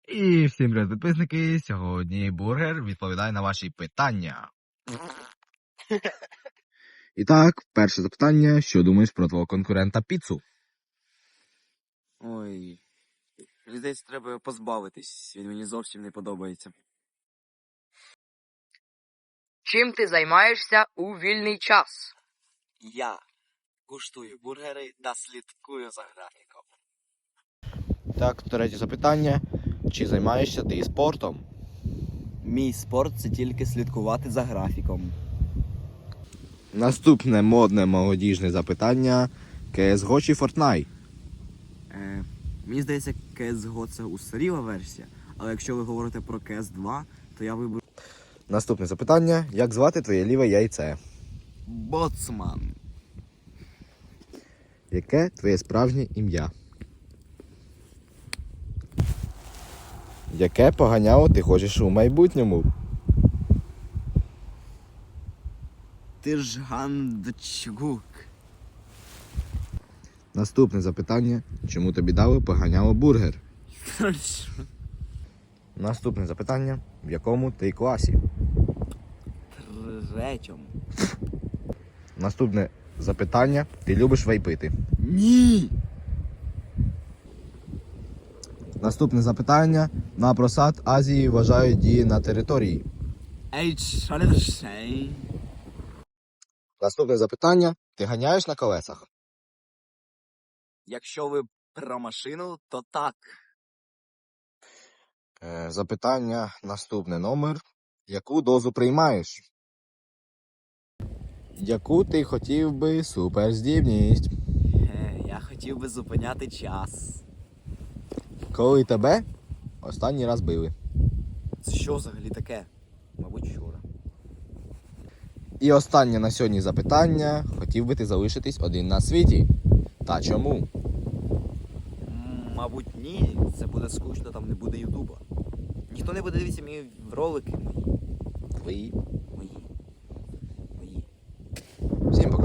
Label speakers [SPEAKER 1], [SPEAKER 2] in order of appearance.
[SPEAKER 1] І всім привіт, підписники. Сьогодні Бургер відповідає на ваші питання. І так, перше запитання. Що думаєш про твого конкурента піцу?
[SPEAKER 2] Ой, мені здається, треба його позбавитись. Він мені зовсім не подобається.
[SPEAKER 3] Чим ти займаєшся у вільний час?
[SPEAKER 2] Я куштую бургери та слідкую за графіком.
[SPEAKER 1] Так, третє запитання. Чи займаєшся ти спортом?
[SPEAKER 2] Мій спорт це тільки слідкувати за графіком.
[SPEAKER 1] Наступне модне молодіжне запитання. CSGO чи Fortnite?
[SPEAKER 2] Мені здається, CSGO це устаріла версія, але якщо ви говорите про CS2, то я виберу
[SPEAKER 1] Наступне запитання. Як звати твоє ліве яйце?
[SPEAKER 2] Боцман.
[SPEAKER 1] Яке твоє справжнє ім'я? Яке поганяло ти хочеш у майбутньому?
[SPEAKER 2] Ти ж Гандчгук.
[SPEAKER 1] Наступне запитання. Чому тобі дали поганяло бургер? Наступне запитання. В якому ти класі?
[SPEAKER 2] Третьому.
[SPEAKER 1] Наступне запитання. Ти любиш вейпити?
[SPEAKER 2] Ні!
[SPEAKER 1] Наступне запитання. На просад Азії вважають дії на території. Наступне запитання. Ти ганяєш на колесах?
[SPEAKER 2] Якщо ви про машину, то так.
[SPEAKER 1] Запитання. Наступне номер. Яку дозу приймаєш? Яку ти хотів би суперздібність?
[SPEAKER 2] Я хотів би зупиняти час.
[SPEAKER 1] Коли тебе останній раз били?
[SPEAKER 2] Це що взагалі таке? Мабуть, вчора.
[SPEAKER 1] І останнє на сьогодні запитання. Хотів би ти залишитись один на світі? Та чому?
[SPEAKER 2] Мабуть, ні. Це буде скучно, там не буде Ютуба. Ніхто не буде дивитися мої ролики.
[SPEAKER 1] Твої.
[SPEAKER 2] Мої.
[SPEAKER 1] Всім пока.